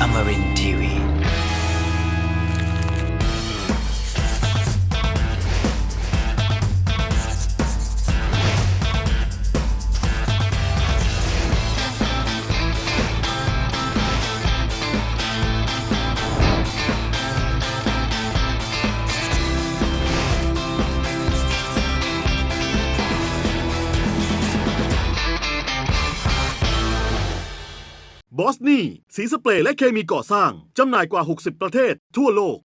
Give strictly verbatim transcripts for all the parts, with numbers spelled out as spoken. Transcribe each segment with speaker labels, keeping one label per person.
Speaker 1: Amarin ที วี
Speaker 2: บอสนี่สีสเปรย์และเคมีก่อสร้างจำหน่ายกว่าหกสิบประเทศทั่วโลก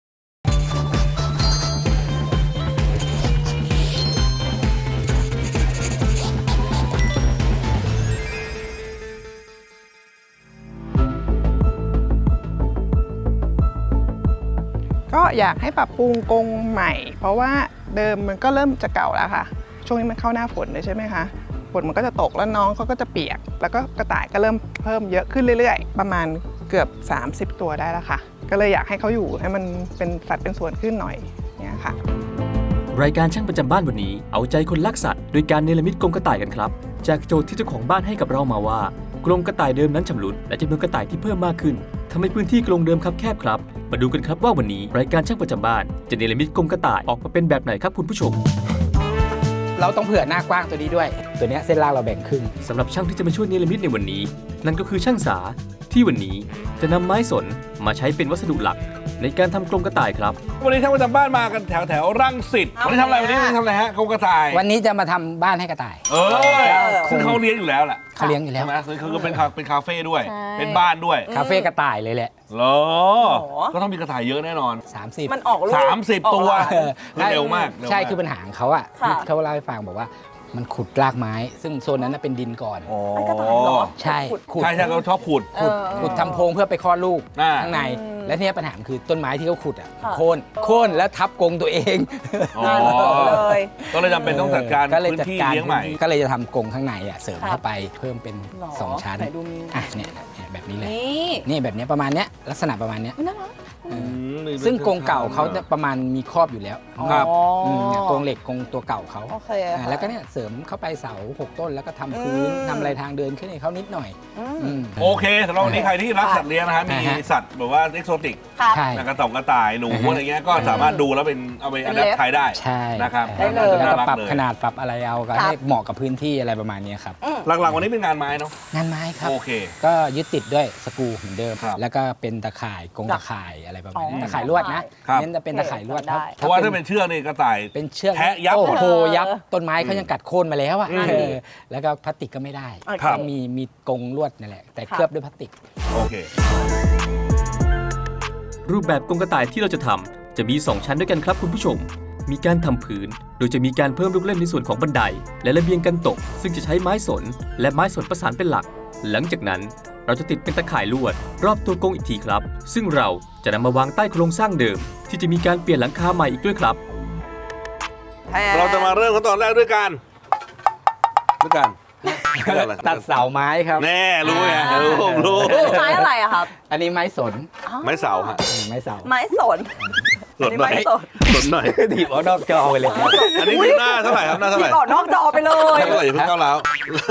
Speaker 3: ก็อยากให้ปรับปรุงกรงใหม่เพราะว่าเดิมมันก็เริ่มจะเก่าแล้วค่ะช่วงนี้มันเข้าหน้าฝนเลยใช่ไหมคะฝนมันก็จะตกแล้วน้องเขาก็จะเปียกแล้วก็กระต่ายก็เริ่มเพิ่มเยอะขึ้นเรื่อยๆประมาณเกือบสามสิบตัวได้แล้วค่ะก็เลยอยากให้เขาอยู่ให้มันเป็นสัตว์เป็นส่วนขึ้นหน่อยเนี่ยค่ะ
Speaker 4: รายการช่างประจำบ้านวันนี้เอาใจคนรักสัตว์โดยการเนรมิตกรงกระต่ายกันครับจากโจทย์ที่เจ้าของบ้านให้กับเรามาว่ากรงกระต่ายเดิมนั้นชำรุดและจำนวนกระต่ายที่เพิ่มมากขึ้นทำให้พื้นที่กรงเดิมคับแคบครับมาดูกันครับว่าวันนี้รายการช่างประจำบ้านจะเนรมิตกรงกระต่ายออกมาเป็นแบบไหนครับคุณผู้ชม
Speaker 5: เราต้องเผื่อหน้ากว้างตัวนี้ด้วยตัวนี้เส้นล่างเราแบ่งครึ่ง
Speaker 4: สำหรับช่างที่จะมาช่วยเนรมิตในวันนี้นั่นก็คือช่างสาที่วันนี้จะนำไม้สนมาใช้เป็นวัสดุหลักในการทำกรงกระต่ายครับ
Speaker 6: วันนี้ช่างประจำบ้านมากันแถวแถวรังสิตวันนี้ทำอะไรวันนี้ทำอะไรฮะกรงกระต่าย
Speaker 5: วันนี้จะมาทำบ้านให้กระต่าย
Speaker 6: เออซึ่งเขาเลี้ยงอยู่แล้วแหละ
Speaker 5: เขาเลี้ยงอยู่แล้ว
Speaker 6: ใช่ไหมคือเป็นเป็นคาเฟ่ด้วยเป็นบ้านด้วย
Speaker 5: คาเฟ่กระต่ายเลยแหละ
Speaker 6: เหรอก็ต้องมีกระต่ายเยอะแน่นอน
Speaker 5: สามสิบ
Speaker 3: มันออกลูก
Speaker 6: สามสิบตัวเร็วมาก
Speaker 5: ใช่คือปัญหาของเขาอ่ะเขาเล่าให้ฟังบอกว่ามันขุดรากไม้ซึ่งโซนนั้นเป็นดินก่อน
Speaker 6: อ๋อ
Speaker 5: ใช่
Speaker 6: ขุดใช่ใช่เขาชอบขุด
Speaker 5: ขุดทำโพรงเพื่อไปคลอดลูกข้างในและเนี่ยปัญหาคือต้นไม้ที่เขาขุดอ่ะโค่นโค่นแล้วทับกรงตัวเอง
Speaker 6: เลยก็เลยจำเป็นต้องจัดการพื้นที่เลี้ยงใหม่
Speaker 5: ก็เลยจะทำกรงข้างในอ่ะเสริมเข้าไปเพิ่มเป็นสองชั้นอ่ะเนี่ยแบบนี้เลยนี่แบบนี้ประมาณเนี้ยลักษณะประมาณเนี้ยซึ่งกรงเก่าเขาประมาณมีครอบอยู่แล้ว
Speaker 6: ครับ
Speaker 5: กรงเหล็กกรงตัวเก่าเขาแล้วก็เนี่ยเสริมเข้าไปเสาหกต้นแล้วก็ทำพื้นทำอะไรทางเดินขึ้นให้เขานิดหน่อย
Speaker 6: โอเคสำหรับวันนี้ใครที่รักสัตว์เลี้ยงนะฮะมีสัตว์แบบว่าเอ็กโซติกกระต่ายกระต่ายหนูอะไรเงี้ยก็สามารถดูแล้วเป็นเอาไปอัดแอปใช้ได้นะครับ
Speaker 5: แล้วก็ปรับขนาดปรับอะไรเอาก็ให้เหมาะกับพื้นที่อะไรประมาณนี้ครับ
Speaker 6: หลักๆวันนี้เป็นงานไม้เนาะ
Speaker 5: งานไม้ครับ
Speaker 6: โอเค
Speaker 5: ก็ยึดติดด้วยสกรูเหมือนเดิมแล้วก็เป็นตะข่ายกรงตะข่ายอะไรประมาณนี้ตะข่ายลวดนะเน้นจะเป็นตะข่ายลวด
Speaker 6: เพราะว่าถ้าเป็นเชือกนี่กระต่าย
Speaker 5: เป็นเชือก
Speaker 6: แทะยับ
Speaker 5: โอ้โหยับต้นไม้เขายังกัดโค่นมาแล้วอ่ะแล้วก็พลาสติกก็ไม่ได้มีมีกรงลวดนั่นแหละแต่เคลือบด้วยพลาสติก
Speaker 6: โอเค
Speaker 4: รูปแบบกรงกระต่ายที่เราจะทำจะมีสองชั้นด้วยกันครับคุณผู้ชมมีการทำพื้นโดยจะมีการเพิ่มลูกเล่นในส่วนของบันไดและระเบียงกันตกซึ่งจะใช้ไม้สนและไม้สนประสานเป็นหลักหลังจากนั้นเราจะติดเป็นตะข่ายลวดรอบตัวกรงอีกทีครับซึ่งเราจะนำมาวางใต้โครงสร้างเดิมที่จะมีการเปลี่ยนหลังคาใหม่อีกด้วยครับ
Speaker 6: เราจะมาเริ่มขั้นตอนแรกด้วยกันด้วยกัน
Speaker 5: ตัดเสาไม้ครับ
Speaker 6: แน่รู้ไงรู้รู้
Speaker 3: ไม้อะไรอะครับ
Speaker 5: อันนี้ไม้สน
Speaker 6: ไม้เสาฮะ
Speaker 5: ไม้เสา
Speaker 3: ไม้สน
Speaker 6: สนหน่อยสนหน่อย
Speaker 5: ถีบออกนอกจอไปเลย
Speaker 6: อันนี้คือหน้าเท่าไหร่ครับหน้าเท่าไหร่
Speaker 3: ถีบออกนอกจอไปเลย
Speaker 6: เท่าไหร่อย่าเพิ่งก้าวร้าว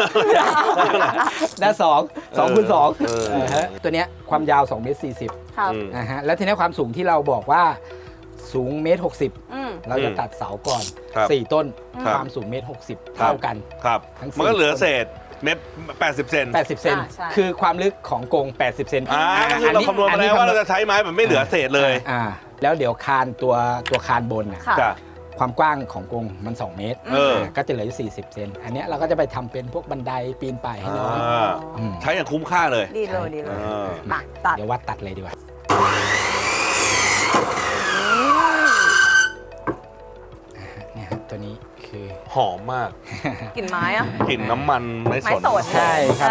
Speaker 5: หน้าสองสองคูณสองตัวเนี้ยความยาวสองเมตรสี่สิบนะฮะแล้วทีนี้ความสูงที่เราบอกว่าสูงเมตรหกสิบเราจะตัดเสาก่อนสี่ต้นความสูงเมตรหกสิบเท่ากัน
Speaker 6: ครับมันก็เหลือเศษเมตรแปดสิบเซน
Speaker 5: แปดสิบเซนคือความลึกของกรงแปดสิบเซน
Speaker 6: อ่าคือเราคำนวณมาแล้วว่าเราจะใช้ไม้แบบไม่เหลือเศษเลย
Speaker 5: อ่าแล้วเดี๋ยวคานตัวตัวคานบนน่ะความกว้างของกรงมันสองเมตรก็จะเหลืออยู่สี่สิบเซนอันนี้เราก็จะไปทำเป็นพวกบันไดปีนป่ายให้น้อง
Speaker 6: ใช้อย่างคุ้มค่าเลย
Speaker 3: ดีเลยดีเลย
Speaker 5: มาตัดเดี๋ยววัดตัดเลยดีกว่าตัวนี้คือ
Speaker 6: หอมมาก
Speaker 3: กลิ่นไม้อะ
Speaker 6: กลิ่นน้ำมันไม้สน
Speaker 5: ใช่ครับ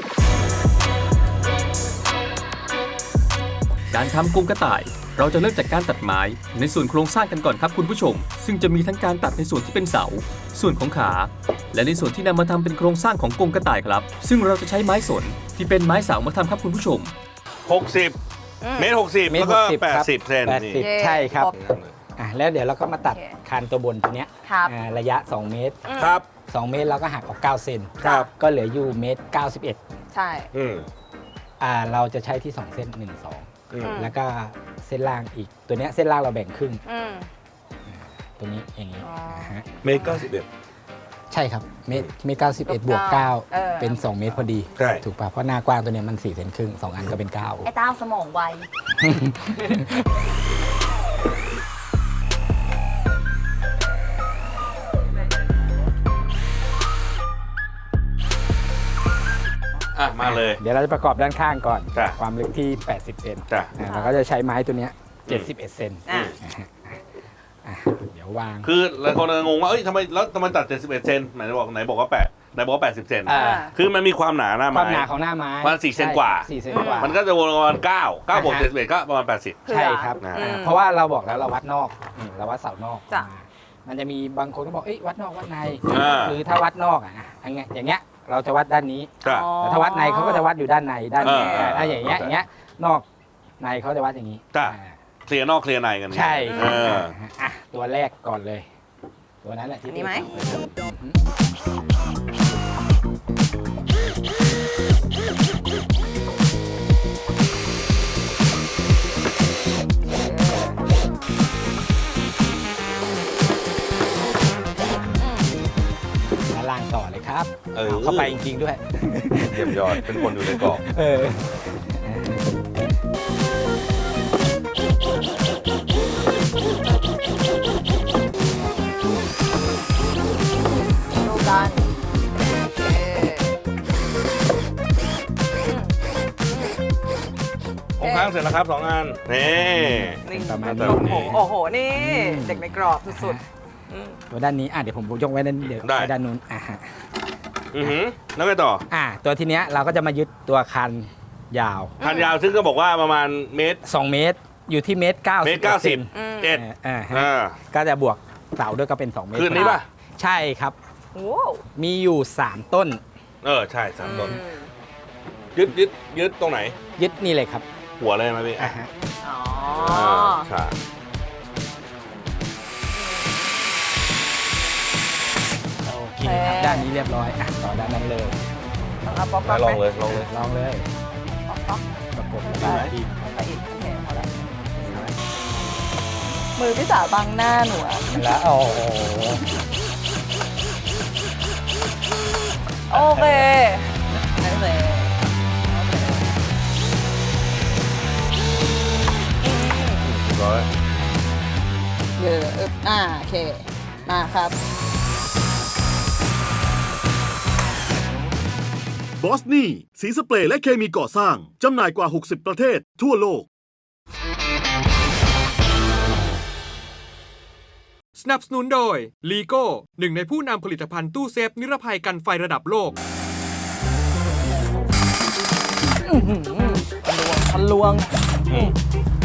Speaker 4: การทำกรงกระต่ายเราจะเริ่มจากการตัดไม้ในส่วนโครงสร้างกันก่อนครับคุณผู้ชมซึ่งจะมีทั้งการตัดในส่วนที่เป็นเสาส่วนของขาและในส่วนที่นำมาทำเป็นโครงสร้างของกรงกระต่ายครับซึ่งเราจะใช้ไม้สนที่เป็นไม้เสามาทำครับคุณผู้ชม
Speaker 6: หกสิบเมตรหกสิบแล้วก็แปดสิบเซน
Speaker 5: ใช่ครับอ่ะแล้วเดี๋ยวเราก็มาตัดคานตัวบนตัวเนี้ยระยะสองเมตร
Speaker 6: ครับ
Speaker 5: สองเมตรเราก็หักออกเก้าเซนก็เหลืออยู่เมตรเก้าสิบเอ็ด
Speaker 3: ใช่
Speaker 5: อ่าเราจะใช้ที่สองเส้นหนึ่งสอง
Speaker 6: อืม
Speaker 5: แล้วก็เส้นล่างอีกตัวเนี้ยเส้นล่างเราแบ่งครึ่ง
Speaker 1: อืม
Speaker 5: ตรงนี้อย่างนี้
Speaker 1: อ๋ออ่
Speaker 5: าฮะ
Speaker 6: เมตรเก้าสิบเอ็ด
Speaker 5: ใช่ครับเมตรเมตรเก้าสิบเอ็ดบวกเก้า
Speaker 1: เออ
Speaker 5: เป็นสองเมตรพอดี
Speaker 6: ใช่
Speaker 5: ถูกป่ะเพราะหน้ากว้างตัวเนี้ยมันสี่เซนครึ่งสองอันก็เป็นเก้า
Speaker 1: ไอ้ต้าสมองไว
Speaker 6: อ่ะมาเลย
Speaker 5: เดี๋ยวเราจะประกอบด้านข้างก่อน
Speaker 6: จ้ะ
Speaker 5: ความลึกที่แปดสิบเซน
Speaker 6: จ้ะ
Speaker 5: อ่าเราก็จะใช้ไม้ตัวเนี้ยเจ็ดสิบเอ็ดเซน
Speaker 1: อ่ะ
Speaker 5: อ่ะเดี๋ยววาง
Speaker 6: คือหลายคนงงว่าเอ้ยทำไมแล้วทำไมตัดเจ็ดสิบเอ็ดเซนไหนบอกไหนบอกว่าแปดไหนบอกว่าแปดสิบเซน
Speaker 5: อ่า
Speaker 6: คือมันมีความหนาหน้า
Speaker 5: ค
Speaker 6: ไม้
Speaker 5: วามหนาของหน้าไม้
Speaker 6: ประมาณสี่เซนกว่า
Speaker 5: สี่เซนกว่า
Speaker 6: มันก็จะวนประมาณเก้าเก้าบวก
Speaker 5: อ่าฮะ
Speaker 6: เจ็ดสิบเอ็ดก็ประมาณแปดสิบ
Speaker 1: เผื่อ
Speaker 5: ใช่ครับ
Speaker 6: นะ
Speaker 5: อ่าเพราะว่าเราบอกแล้วเราวัดนอกอืมเราวัดเสานอก
Speaker 1: จ้ะ
Speaker 5: มามันจะมีบางคนก็บอกเอ้ยวัดนอกวัดใน
Speaker 6: อ่า
Speaker 5: หรือถ้าวัดนอกอ่ะอย่างเงี้ยอย่างเงี้ยเราจะวัดด้านนี้
Speaker 6: จ้ะ
Speaker 1: อ๋อ
Speaker 5: แต่ถ้าวัดในเขาก็จะวัดอยู่ด้านในด้านนี้
Speaker 6: เออ
Speaker 5: อ่าอย่างเงี้ยอย่างเงี้ยนอกในเขาจะวัดอย่างนี้
Speaker 6: จ้ะ
Speaker 5: อ่า
Speaker 6: เคลียร์นอกเคลียร์ในกัน
Speaker 5: ใช่
Speaker 6: เออ
Speaker 5: อ่ะตัวแรกก่อนเลย ตัวนั้นแหละที่
Speaker 1: อันนี้ไหม
Speaker 5: ด้านล่างต่อเลยครับ
Speaker 6: เออ
Speaker 5: เอาเข้าไปจริงๆด้วย
Speaker 6: เยี่ยมยอดเป็นคนอยู่ในกรอบ
Speaker 5: เออ
Speaker 1: ดูกันโอเค
Speaker 6: ของค้างเสร็จแล้วครับสองอันนี่
Speaker 1: นี่
Speaker 5: ประมาณ
Speaker 6: แต่
Speaker 5: นี้
Speaker 6: วันนี้
Speaker 1: โอ้โห นี่ เด็กในกรอบสุดๆอืม
Speaker 5: ตัวด้านนี้อ่ะเดี๋ยวผมยกไว้ด้านเดี๋ยว
Speaker 6: ได้
Speaker 5: ไว้ด้านนู้นอ่ะฮะ
Speaker 6: อือหือแล้วไงต่อ
Speaker 5: อ่ะตัวทีเนี้ยเราก็จะมายึดตัวคันยาว
Speaker 6: พันยาวซึ่งก็บอกว่าประมาณเมตร
Speaker 5: สองเมตรอยู่ที่เมตรเก้า
Speaker 6: เมตรเก้าสิบ
Speaker 1: อืม
Speaker 6: เอ็ด
Speaker 5: อ่าฮะ
Speaker 6: อ่า
Speaker 5: ก็จะบวกเสาด้วยก็เป็นสองเมตร
Speaker 6: คืนนี้ป่ะ
Speaker 5: ใช่ครับ
Speaker 1: โอ้
Speaker 5: มีอยู่สามต้น
Speaker 6: เออ ใช่สามต้น
Speaker 1: อืม
Speaker 6: ยึดยึดยึดตรงไหน
Speaker 5: ยึดนี่เลยครับ
Speaker 6: หัวเลยไหมพี่
Speaker 5: อ่ะฮะ
Speaker 1: อ๋อ
Speaker 6: อ่าใช่
Speaker 5: โอเคครับด้านนี้เรียบร้อยอ่ะต่อด้านนั้นเลย
Speaker 1: เอาป๊อก
Speaker 6: ไหน
Speaker 1: ป๊อก
Speaker 6: ลองเลยลองเลย
Speaker 5: ลองเลย
Speaker 1: ป๊อกป๊อก
Speaker 5: ประกบ
Speaker 1: ไป
Speaker 5: ดีไหมดี
Speaker 1: ไปอีกโอเคพอแล้วมือพี่สาวบังหน้าหนูอะ
Speaker 5: แล้วโอ้โห
Speaker 1: โอเคโอเค
Speaker 6: ร้อย
Speaker 1: เยอะอึบอ่าโอเค มาครับ
Speaker 2: บอสนี่สีสเปรย์และเคมีก่อสร้าง จำหน่ายกว่า หกสิบ ประเทศทั่วโลก
Speaker 7: สนับสนุนโดย ลีโก้ หนึ่งในผู้นำผลิตภัณฑ์ตู้เซฟนิรภัยกันไฟระดับโลก
Speaker 1: ทะลวง
Speaker 6: อืม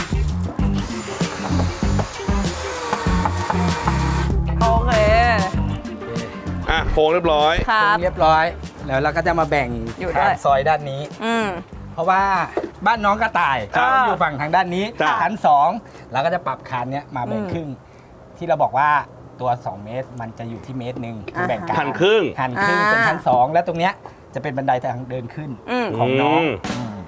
Speaker 1: โอเค
Speaker 6: อ่ะโค้งเรียบร้อย
Speaker 1: ครับ
Speaker 5: เรียบร้อย แล้วเราก็จะมาแบ่ง
Speaker 1: อยู่ด้วย
Speaker 5: ทางซอยด้านนี้
Speaker 1: อืม
Speaker 5: เพราะว่าบ้านน้องกระต่าย
Speaker 1: ครับ
Speaker 5: เขาอยู่ฝั่งทางด้านนี้
Speaker 6: จ้ะ
Speaker 5: ชั้นสองเราก็จะปรับคานเนี้ยมาแบ่ง
Speaker 1: อืม
Speaker 5: ครึ่ง ที่เราบอกว่าตัว สอง เมตร มันจะอยู่ที่เมตรหนึ่งคือแบ่งกลาง
Speaker 6: หันครึ่ง
Speaker 5: หันครึ่ง
Speaker 1: อ่า
Speaker 5: เป็นชั้นสองแล้วตรงเนี้ยจะเป็นบันไดทางเดินขึ้น
Speaker 1: อืม
Speaker 5: ของน้อง
Speaker 6: อืม
Speaker 5: อืม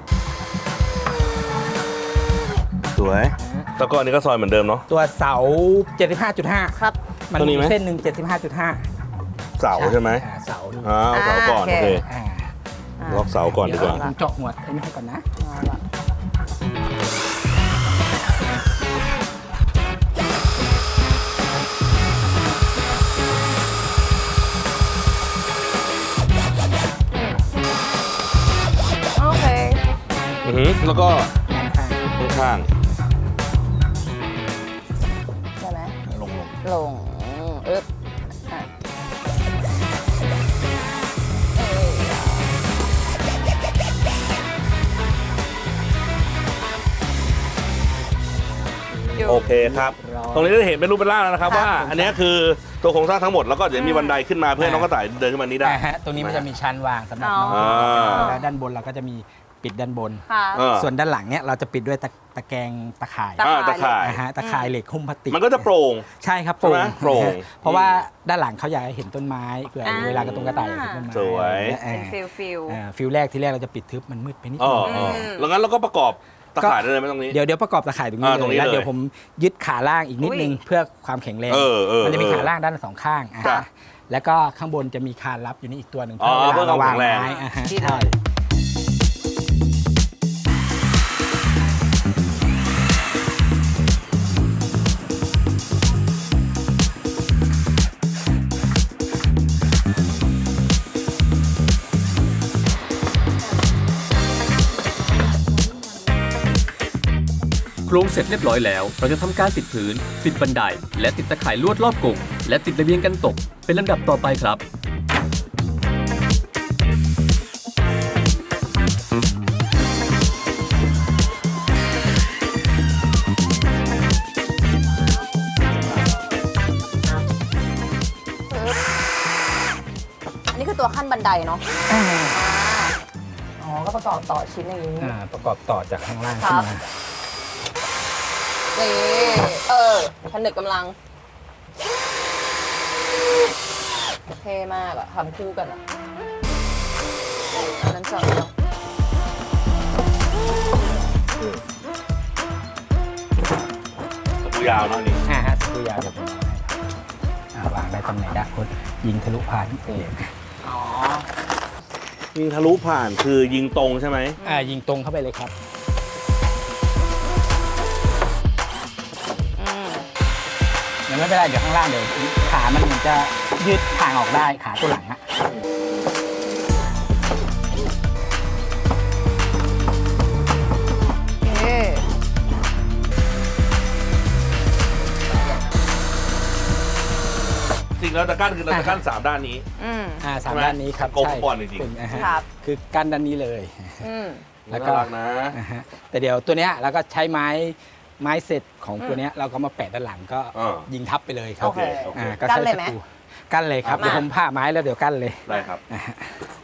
Speaker 6: สวย แล้วก็อันนี้ก็ซอยเหมือนเดิมเนาะ
Speaker 5: ตัวเสา เจ็ดสิบห้าจุดห้า
Speaker 1: ครับ
Speaker 5: มัน
Speaker 6: ตัวนี้
Speaker 5: มี
Speaker 6: ไหม
Speaker 5: เส้นหนึ่งเจ็ดสิบห้าจุดห้า
Speaker 6: เสาใช่ไหม
Speaker 5: อ่าเสานี่
Speaker 6: อ่าเอาเสาก่อน
Speaker 1: อ่า
Speaker 6: โอเค
Speaker 1: โอเค
Speaker 5: อ่า
Speaker 1: อ่า
Speaker 6: ล็อกเสาก่อนดีกว่า
Speaker 5: เดี๋ยวผมเจาะหัวไอ้นี่ให้ก่อนนะ
Speaker 1: เอาละ โอเค
Speaker 6: อือหือแล้วก็
Speaker 5: ข้าง
Speaker 6: ข้าง
Speaker 1: ได้ไหม
Speaker 6: ๆลงลง
Speaker 1: ลงอึ๊บอ่ะเอ้ย อยู่
Speaker 6: โอเคครับ ตรงนี้จะเห็นเป็นรูปเป็นร่างแล้วนะครับ
Speaker 1: ครับ
Speaker 6: ว่า อันนี้คือตัวโครงสร้างทั้งหมดแล้วก็เดี๋ยวมีบันไดขึ้นมาเพื่อให้น้องกระต่ายเดินขึ้นมานี้ได้
Speaker 5: อ่าฮะตรงนี้มันจะมีชั้นวางสำหรับน้อง
Speaker 6: อ่า
Speaker 5: แล้วด้านบนเราก็จะมีปิดด้านบน
Speaker 1: ค่ะ
Speaker 6: เออ
Speaker 5: ส่วนด้านหลังเนี่ยเราจะปิดด้วยตะตะแกรงตะข่าย
Speaker 1: ตะ
Speaker 6: อ่าตะข่าย
Speaker 5: นะฮะตะข่ายเหล็กหุ้มพลาสติก
Speaker 6: มันก็จะโปร่ง
Speaker 5: ใช่ครับโปร่ง
Speaker 6: ใช่ไหมโปร่ง
Speaker 5: นะฮะเพราะว่าด้านหลังเขาอยากให้เห็นต้นไม้เผื่อ
Speaker 1: อ่า
Speaker 5: เวลากระตรงกระต่ายเห็นต้นไม้
Speaker 6: สวย
Speaker 5: เอ
Speaker 1: เป็น
Speaker 5: อ
Speaker 1: ฟิลฟิล
Speaker 5: อ่าฟิลแรกที่แรกเราจะปิดทึบมันมืดไปนิด
Speaker 6: อ๋
Speaker 5: นึ
Speaker 6: อง อ๋อแล้วงั้นเราก็ประกอบตะข่ายได้เลยไหมตรงนี้
Speaker 5: เดี๋ยวเดี๋ยวประกอบตะข่ายตรงนี้
Speaker 6: อ่าตรง
Speaker 5: เลย
Speaker 6: นี้
Speaker 5: แล้ว
Speaker 6: เลย
Speaker 5: เดี๋ยวผมยึดขาล่างอีกนิดนึงเพื่อความแข็งแรง
Speaker 6: เออเออ
Speaker 5: มันจะมี
Speaker 6: เออ
Speaker 5: ขาล่างด้านสองข้างอ่ะ
Speaker 6: จ้ะ
Speaker 5: แล้วก็ข้างบนจะมีคานรับอยู่นี่อีกตัวหนึ่ง
Speaker 6: อ๋อ
Speaker 5: เพื่อเวลา
Speaker 6: เพื่อความ
Speaker 5: วาง
Speaker 6: แข็งแรง
Speaker 5: ไม้อ่ะฮะ
Speaker 1: ดีเลย
Speaker 5: ใช่
Speaker 4: โครงเสร็จเรียบร้อยแล้ว เราจะทำการติดพื้น ติดบันได และติดตะข่ายลวดรอบกรงและติดระเบียงกันตก เป็นลำดับต่อไปครับ
Speaker 1: อันนี้คือตัวขั้นบันไดเนาะอ๋อ ก็ประกอบต่อชิ้นอย่างนี้
Speaker 5: อ่าประกอบต่อจากข้างล่าง
Speaker 1: ครั
Speaker 5: ขึ้น
Speaker 1: บ
Speaker 5: มา
Speaker 1: นี่เออผนึกกำลังเท่มากอะทำคู่กันอะอันนั้นสอง
Speaker 6: ตัวยาวเนาะนี่
Speaker 5: อ่าฮะสกรูยาวเดี๋ยวผมเอาให้อ่าวางได้ตำแหน่งด้านบนยิงทะลุผ่านเอง
Speaker 6: ยิงทะลุผ่านคือยิงตรงใช่ไหม
Speaker 5: อ่ายิงตรงเข้าไปเลยครับ
Speaker 1: อืม
Speaker 5: เดี๋ยวไม่เป็นไรเดี๋ยวข้างล่างเดี๋ยวขามันเหมือนจะยืดทางออกได้ขาตัวหลังอะ
Speaker 1: โอเค
Speaker 6: จริงแล้วตะกั้นคือเราตะกั้นสามด้านนี้
Speaker 1: อืม
Speaker 5: อ่าสาม
Speaker 6: ใช่ไหม
Speaker 5: ด้านนี้ครับ
Speaker 6: กลม
Speaker 5: ใช่
Speaker 6: บอลจริงๆ
Speaker 5: เป็นอ่าฮะ
Speaker 1: ครับ
Speaker 5: คือกั้นด้านนี้เลย
Speaker 1: อืม
Speaker 5: แล้วก็
Speaker 6: น่ารักนะ
Speaker 5: อ่าฮะแต่เดี๋ยวตัวเนี้ยเราก็ใช้ไม้ไม้เสร็จของตัวเนี้ยเราก็มาแปะด้านหลังก็
Speaker 6: อ่า
Speaker 5: ยิงทับไปเลยครับ
Speaker 1: โอเค
Speaker 6: โอเค
Speaker 5: อ่าก็
Speaker 1: กั้น
Speaker 5: ใช้
Speaker 1: เลย
Speaker 5: ส
Speaker 1: ไหม
Speaker 5: กรูกั้นเลยครับ
Speaker 1: มา
Speaker 5: เดี๋ยวผมผ่าไม้แล้วเดี๋ยวกั้นเลย
Speaker 6: ได้ครับ
Speaker 5: อ่าฮะ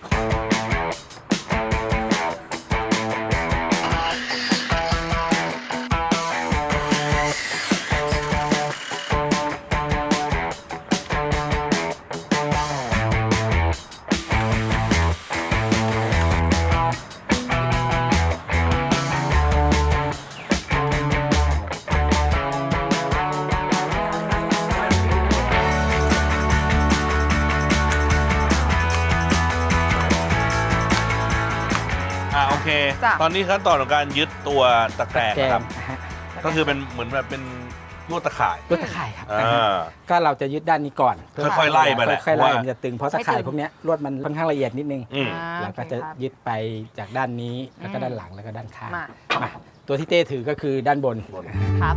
Speaker 6: อ่าโอเค
Speaker 1: จ้ะ
Speaker 6: ตอนนี้ขั้นตอนของการยึดตัวตะแกรง
Speaker 5: แก
Speaker 6: นะครับ
Speaker 5: มอ่าฮะ
Speaker 6: ก็คือเป็นเหมือนแบบเป็นลวดตะข่าย
Speaker 5: ลวดตะข่ายครับ
Speaker 6: อ่า
Speaker 5: อ่าฮะก็เราจะยึดด้านนี้ก่อน
Speaker 6: ค่อยๆไล่ไปแหละ
Speaker 5: ค่อยๆไล่
Speaker 6: ว่า
Speaker 5: มันจะตึงเพราะตะข่ายพวกเนี้ยลวดมันค่อนข้างละเอียดนิดนึง
Speaker 6: อืม
Speaker 1: อ่า
Speaker 5: เราก็จะ
Speaker 1: โอเคครับ
Speaker 5: ยึดไปจากด้านนี้แล้วก็ด้านหลังแล้วก็ด้านข้าง
Speaker 1: มา
Speaker 5: มาตัวที่เต้ถือก็คือด้านบน
Speaker 1: ครับ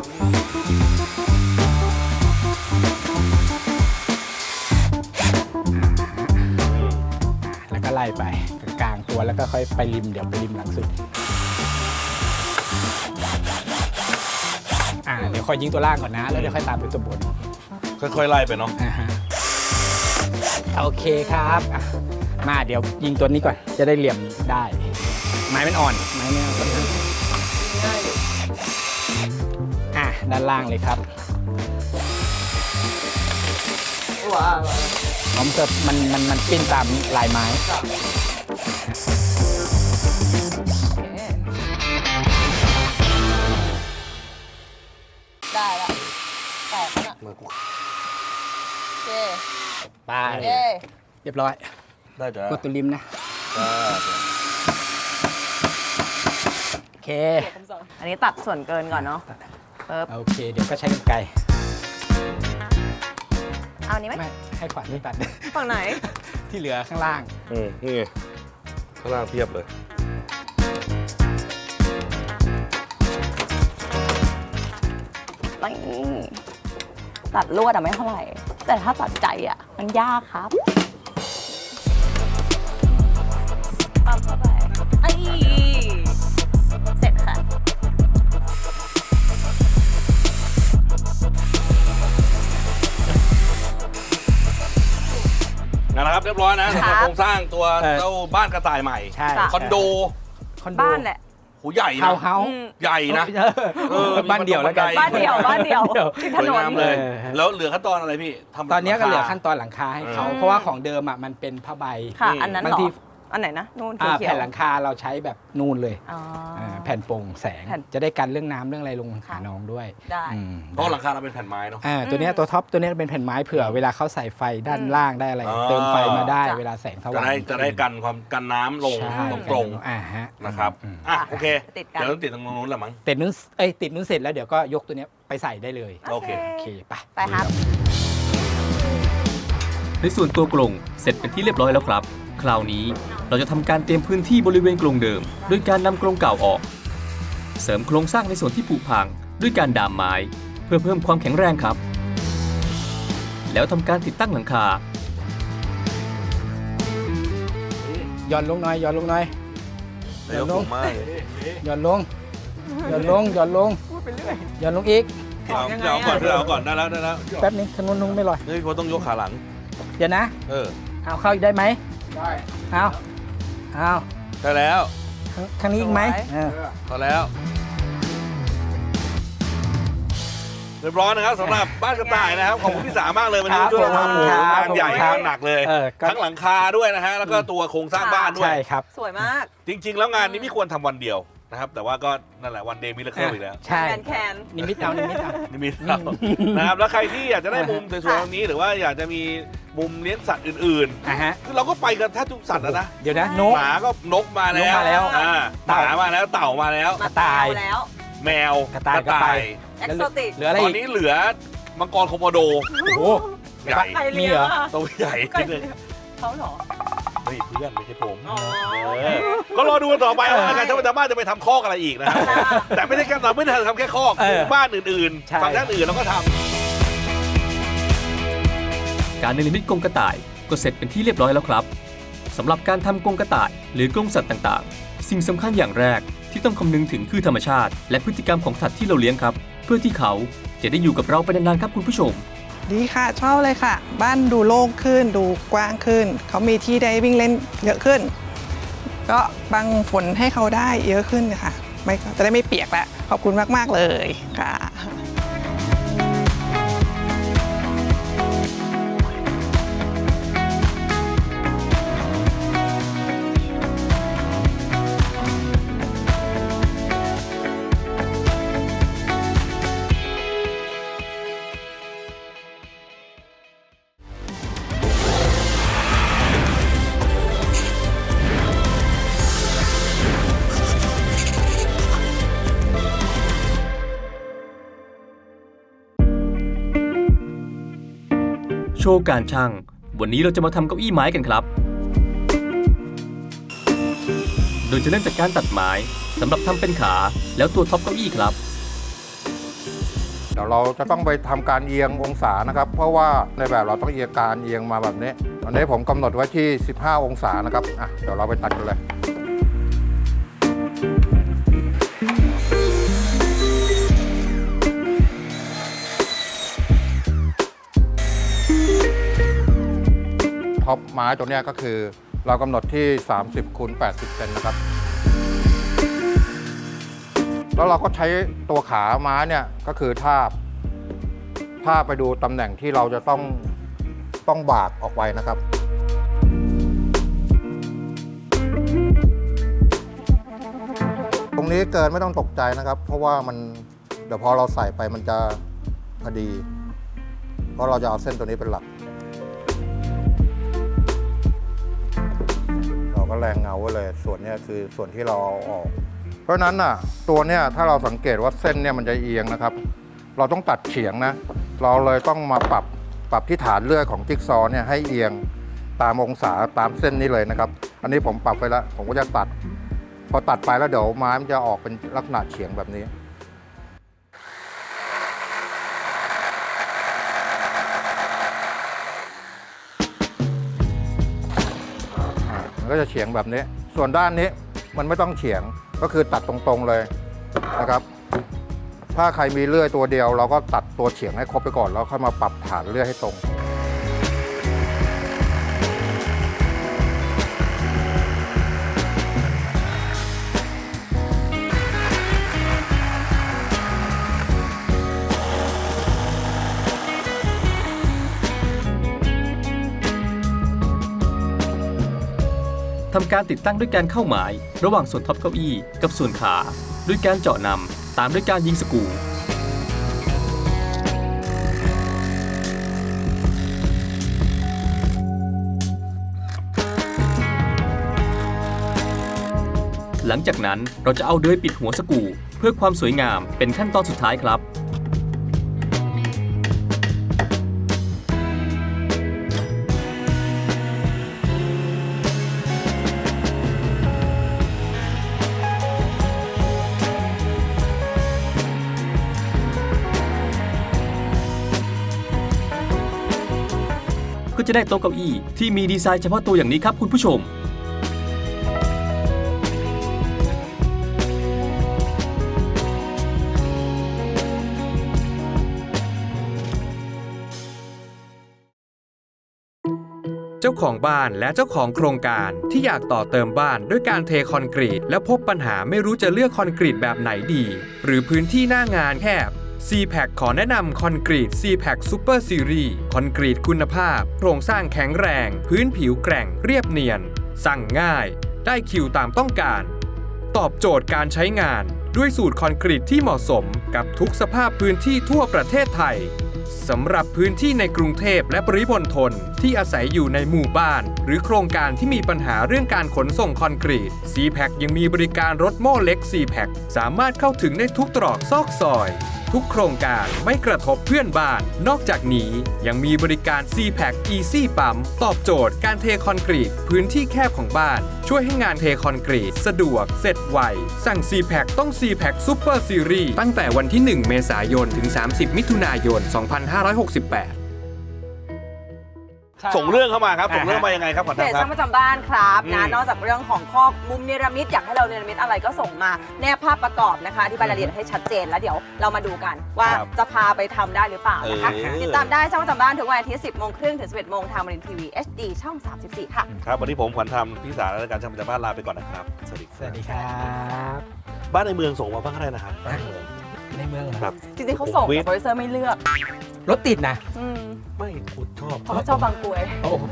Speaker 5: แล้วก็ไล่ไปกลางตัวแล้วก็ค่อยไปริมเดี๋ยวไปริมหลังสุดอ่าเดี๋ยวค่อยยิงตัวล่างก่อนนะ แล้วเดี๋ยวค่อยตามไปตัวบน
Speaker 6: ค่อยๆไล่ไปเนาะ
Speaker 5: อ่าฮะโอเคครับอ่ะมาเดี๋ยวยิงตัวนี้ก่อนจะได้เหลี่ยมได้ ไม้มันอ่อนไม้ไม่อ่อนอ่ะด้านล่างเลยครับ
Speaker 1: ว้าว
Speaker 5: ผมจะมันมันมันปิ้นตามลายไม้
Speaker 1: ได้แล้วแตกแล้วน่ะโอเค
Speaker 5: ไป
Speaker 1: เย้
Speaker 5: เรียบร้อย
Speaker 6: ได้จ้ะ
Speaker 5: กดตัวริมนะ โอเค
Speaker 1: อันนี้ตัดส่วนเกินก่อนเนาะปึ๊บ
Speaker 5: โอเค เดี๋ยวก็ใช้กรรไกร
Speaker 1: เอาอันนี้ไหม
Speaker 5: ไม่ให้ขวานไม่ตัด
Speaker 1: ฝั่งไหน
Speaker 5: ที่เหลือข้างล่าง
Speaker 6: อืมนี่ไงข้างล่างเทียบเลย
Speaker 1: นี่ตัดลวดอะไม่เท่าไหร่ แต่ถ้าตัดใจอะมันยากครับปั๊มเข้าไปไอ้เสร็จค่ะ
Speaker 6: นะครับเรียบร้อยนะสำหรับ
Speaker 1: ครับ
Speaker 6: โครงสร้างตัว
Speaker 5: เออ
Speaker 6: เจ้าบ้านกระต่ายใหม่
Speaker 5: ใช่
Speaker 6: คอนโด
Speaker 5: คอนโด
Speaker 1: บ้านแหละ
Speaker 6: โหใหญ่
Speaker 5: เฮา
Speaker 6: นะ
Speaker 5: เฮา
Speaker 1: อืม
Speaker 6: ใหญ่นะ เออ
Speaker 5: บ้านเดี่ยวแล้วกัน
Speaker 1: บ้านเดี่ยวบ้านเดี่ยวที่ถ
Speaker 6: สวย
Speaker 1: นน
Speaker 6: งามเลย
Speaker 5: เออ
Speaker 6: แล้วเหลือขั้นตอนอะไรพี่ทำ
Speaker 5: ตอนนี้ก็เหลือขั้น
Speaker 6: ราคา
Speaker 5: ตอนหลังคาให้เขา
Speaker 1: อืม
Speaker 5: เพราะว่าของเดิมอ่ะมันเป็นผ้าใบ
Speaker 1: ค่ะ อันนั้น
Speaker 5: บาง
Speaker 1: เหรอ
Speaker 5: ที
Speaker 1: อันไหนนะนู่น
Speaker 5: อ่า
Speaker 1: เขียว
Speaker 5: แผ่นหลังคาเราใช้แบบนูนเลย
Speaker 1: อ๋ออ
Speaker 5: าแผ่นโปร่งแสง
Speaker 1: แผ่น
Speaker 5: จะได้กันเรื่องน้ำเรื่องอะไรลงหา
Speaker 1: ค่ะ
Speaker 5: น้องด้วย
Speaker 1: ได้
Speaker 5: อืม
Speaker 6: เพราะหลังคาเราเป็นแผ่นไม้เนาะ
Speaker 5: อ่าตัวเนี้ยตัวท็อปตัวเนี้ยเป็นแผ่นไม้เผื่อเวลาเขาใส่ไฟด้านล่างได้อะไร
Speaker 6: อ๋อ
Speaker 5: เติมไฟมาได้
Speaker 1: จ้ะ
Speaker 5: เวลาแสงส
Speaker 6: จะ
Speaker 5: ว่าง
Speaker 6: ได้จะได้กันความกันน้ำลง
Speaker 5: ใช่
Speaker 6: ตรง
Speaker 5: อ่าฮะ
Speaker 6: ๆนะครับ
Speaker 5: อืม
Speaker 6: อ่ะโอเค
Speaker 1: ติดกัน
Speaker 6: เดี๋ยวต้องติดตรงนู้นแหละมั้ง
Speaker 5: ติดนู้นเอ้ยติดนู้นเสร็จแล้วเดี๋ยวก็ยกตัวเนี้ยไปใส่ได้เลย
Speaker 6: โอเค
Speaker 5: โอเคไป
Speaker 1: ไปครับ
Speaker 4: ในส่วนตัวกรงเสร็จเป็นที่เรียบร้อยแล้วครับ คราวนี้เราจะทำการเตรียมพื้นที่บริเวณกรงเดิมด้วยการนำกรงเก่าออก เสริมโครงสร้างในส่วนที่ผุพังด้วยการดามไม้ เพื่อเพิ่มความแข็งแรงครับ แล้วทำการติดตั้งหลังคา
Speaker 5: ย้อนลงหน่อยย้อนลงหน่อย
Speaker 6: นายกสูงมากเลย
Speaker 5: ย้อนลงย้อนลงย้อนลงย้อนลงอีก
Speaker 6: เอาเอาก่อนเอาก่อนได้แล้วได้แล้ว
Speaker 5: แป๊บนึงขนุนนุงไม่ลอย
Speaker 6: เฮ้ยเขาต้องยกขาหลัง
Speaker 5: เดี๋ยวนะ
Speaker 6: เออ
Speaker 5: เอาเข้าอีกได้ไหมได้เอาเอา
Speaker 6: ได้แล้ว
Speaker 5: ข้างข้างนี้อีกไหม
Speaker 1: สวย
Speaker 5: เออ
Speaker 6: พอแล้วเรียบร้อยนะครับสำหรับบ้านกระต่ายนะครับขอบคุณพี่สามากเลยวันนี้ช่วยทำโอ้โหงานใหญ่งานหนักเลย
Speaker 5: เออก็
Speaker 6: ทั้งหลังคาด้วยนะฮะแล้วก็ตัวโครงสร้างบ้านด้วย
Speaker 5: ใช่ครับ
Speaker 1: สวยมาก
Speaker 6: จริง ๆ แล้วงานนี้ไม่ควรทำวันเดียวนะครับแต่ว่าก็นั่นแหละวันเดย์มิลเลอร์เคิลอีกแล้ว
Speaker 5: ใช่
Speaker 1: แคนแคน
Speaker 5: นิมิตเอานิมิตเอา
Speaker 6: นี่มีเรานะครับแล้วใครที่อยากจะได้มุมสวยๆแบบนี้หรือว่าอยากจะมีมุมเลี้ยงสัตว์อื่น
Speaker 5: อ่ะฮะ
Speaker 6: ๆคือเราก็ไปกันแทบทุกสัตว์แล้วนะ
Speaker 5: เดี๋ยวนะนก
Speaker 6: หมาก็นกมาแล้ว
Speaker 5: นกมาแล้ว
Speaker 6: อ่าหมามาแล้วเต่ามาแล้ว
Speaker 5: กระต่าย
Speaker 1: แล้ว
Speaker 6: แมว
Speaker 5: กระต่ายก็ไป
Speaker 1: เอ็กโซติก
Speaker 5: เหลืออะไร
Speaker 6: ตอน
Speaker 5: อีก
Speaker 6: นี้เหลือมังกรโคโมโด
Speaker 5: โอ้โห
Speaker 6: ใหญ่
Speaker 1: ใคร
Speaker 5: มี
Speaker 1: เลี้ยง
Speaker 5: เหรอ
Speaker 1: อะ
Speaker 6: ตัวใหญ่นิดนึง
Speaker 1: เขาเหรอ
Speaker 6: เฮ้ยเพื่อนไม่ใช่ผม
Speaker 1: อ๋อ
Speaker 6: เออก็รอดูกันต่อไปว่าการจะมาจะไปทำคอกอะไรอีกนะครับแต่ไม่ได้แค่เราไม่ได้ทำแค่คอก
Speaker 5: เออ
Speaker 6: บ้านอื่น
Speaker 5: ใช่
Speaker 6: ๆฝั่งด้านอื่นเราก็ทำ
Speaker 4: การเนรมิตกรงกระต่ายก็เสร็จเป็นที่เรียบร้อยแล้วครับสำหรับการทำกรงกระต่ายหรือกรงสัตว์ต่างๆ สิ่งสำคัญอย่างแรกที่ต้องคำนึงถึงคือธรรมชาติ และพฤติกรรมของสัตว์ที่เราเลี้ยงครับ เพื่อที่เขาจะได้อยู่กับเราไปนานๆครับคุณผู้ชม
Speaker 3: ดีค่ะชอบเลยค่ะ บ้านดูโล่งขึ้นดูกว้างขึ้น เขามีที่ได้วิ่งเล่นเยอะขึ้น ก็บังฝนให้เขาได้เยอะขึ้นค่ะไม่จะได้ไม่เปียกแล้วขอบคุณมาก ๆ เลยค่ะ
Speaker 4: โชว์การช่าง วันนี้เราจะมาทำเก้าอี้ไม้กันครับ โดยจะเริ่มจากการตัดไม้สำหรับทำเป็นขาแล้วตัวท็อปเก้าอี้ครับ
Speaker 8: เดี๋ยวเราจะต้องไปทำการเอียงองศานะครับ เพราะว่าในแบบเราต้องเอียงการเอียงมาแบบนี้ตอนนี้ผมกำหนดไว้ที่ สิบห้า องศานะครับอ่ะเดี๋ยวเราไปตัดกันเลย ท็อปไม้ตัวเนี้ยก็คือเรากำหนดที่ สามสิบคูณแปดสิบเซนนะครับ แล้วเราก็ใช้ตัวขาไม้เนี่ยก็คือทาบทาบไปดูตำแหน่งที่เราจะต้องต้องบากออกไปนะครับ ตรงนี้เกินไม่ต้องตกใจนะครับ เพราะว่ามันเดี๋ยวพอเราใส่ไปมันจะพอดี เพราะเราจะเอาเส้นตัวนี้เป็นหลัก เราก็แรงเงาไว้เลย ส่วนนี้คือส่วนที่เราเอาออก เพราะฉะนั้นน่ะตัวเนี้ยถ้าเราสังเกตว่าเส้นเนี่ยมันจะเอียงนะครับ เราต้องตัดเฉียงนะ เราเลยต้องมาปรับปรับที่ฐานเลื่อยของจิ๊กซอว์เนี่ยให้เอียงตามองศาตามเส้นนี้เลยนะครับ อันนี้ผมปรับไปแล้ว ผมก็จะตัด พอตัดไปแล้วเดี๋ยวไม้มันจะออกเป็นลักษณะเฉียงแบบนี้ มันก็จะเฉียงแบบนี้ ส่วนด้านนี้มันไม่ต้องเฉียง ก็คือตัดตรงๆเลยนะครับ ถ้าใครมีเลื่อยตัวเดียวเราก็ตัดตัวเฉียงให้ครบไปก่อนแล้วค่อยมาปรับฐานเลื่อยให้ตรง
Speaker 4: ำการติดตั้งด้วยการเข้าหมายระหว่างส่วนท็อปเก้าอี้กับส่วนขาด้วยการเจาะนำตามด้วยการยิงสกรูหลังจากนั้นเราจะเอาเดยปิดหัวสกรูเพื่อความสวยงามเป็นขั้นตอนสุดท้ายครับก็จะได้โต๊ะเก้าอี้ที่มีดีไซน์เฉพาะตัวอย่างนี้ครับคุณผู้ชม
Speaker 7: เจ้าของบ้านและเจ้าของโครงการที่อยากต่อเติมบ้านด้วยการเทคอนกรีตแล้วพบปัญหาไม่รู้จะเลือกคอนกรีตแบบไหนดีหรือพื้นที่หน้างานแคบ ซี แพ็ค ขอแนะนำคอนกรีต ซี แพ็ค Super Series คอนกรีตคุณภาพโครงสร้างแข็งแรงพื้นผิวแกร่งเรียบเนียนสั่งง่ายได้คิวตามต้องการตอบโจทย์การใช้งานด้วยสูตรคอนกรีตที่เหมาะสมกับทุกสภาพพื้นที่ทั่วประเทศไทยสำหรับพื้นที่ในกรุงเทพและปริมณฑลที่อาศัยอยู่ในหมู่บ้านหรือโครงการที่มีปัญหาเรื่องการขนส่งคอนกรีต ซี แพ็ค ยังมีบริการรถโม่เล็ก ซี แพ็ค สามารถเข้าถึงได้ทุกตรอกซอกซอยทุกโครงการไม่กระทบเพื่อนบ้านนอกจากนี้ยังมีบริการ ซี แพ็ค Easy ปั๊มตอบโจทย์การเทคอนกรีตพื้นที่แคบของบ้านช่วยให้งานเทคอนกรีตสะดวกเสร็จไวสั่ง ซี แพ็ค ต้อง ซี แพ็ค Super Series ตั้งแต่วันที่ หนึ่ง เมษายน ถึง สามสิบ มิถุนายน สองพันห้าร้อยหกสิบแปด
Speaker 6: ส่งเรื่องเข้ามาครับส่งเรื่องมายังไงครับขอ
Speaker 1: เพ
Speaker 6: ทา
Speaker 1: จ
Speaker 6: ครั
Speaker 1: ช่า
Speaker 6: บ
Speaker 1: งประจำบ้านครับนะ
Speaker 6: อืม
Speaker 1: นอกจากเรื่องของข้อมุมเนรมิตอยากให้เราเนรมิตอะไรก็ส่งมาแนบภาพประกอบนะคะอธิบายรายละเอียดให้ชัดเจนแล้วเดี๋ยวเรามาดูกันว่าจะพาไปทำได้หรือเปล่านะคะ
Speaker 6: เออ
Speaker 1: ติดตามได้ช่องประจำบ้านทุกวันอาทิตย์สิบโมงครึ่งถึงสิบเอ็ดโมงทางมรินทีวี เอช ดี ช่องสามสิบสี่ค่ะ
Speaker 6: ครับวันนี้ผมขวัญธรรมพี่สารและการช่างประจำบ้านลาไปก่อนนะครับสวัสดี
Speaker 5: สวัสดีครับ
Speaker 6: บ้านในเมืองส่งมาบ้างก็ได้นะครับบ้านในเมือง
Speaker 5: ในเมืองเหรอ
Speaker 6: ครับ
Speaker 1: จริงๆเขาส่งแต่โปรดิวเซอร์ไม่เลือก
Speaker 5: รถติดนะ
Speaker 1: อืม
Speaker 6: ไม่คุณชอบ
Speaker 1: เพราะเขาชอบบางกรวย
Speaker 5: โอ้โห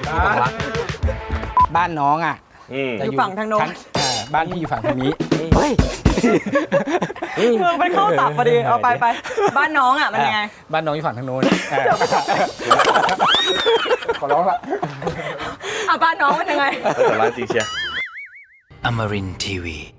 Speaker 5: บ้านน้องอ่ะ
Speaker 6: อืม
Speaker 5: จะ
Speaker 1: อยู่ฝั่งทางโน้น
Speaker 5: เอ่อบ้านพี่อยู่ฝั่งทางนี้เฮ้ย
Speaker 1: เมืองมันเข้าตับพอดีเอาไปไปบ้านน้องอ่ะมันยังไง
Speaker 5: บ้านน้องอยู่ฝั่งทางโน้นเออขอร้องละ
Speaker 1: อ่ะบ้านน้องมันยังไง
Speaker 6: แต่ร้านจริงเชียร์
Speaker 9: Amarin Tiwi.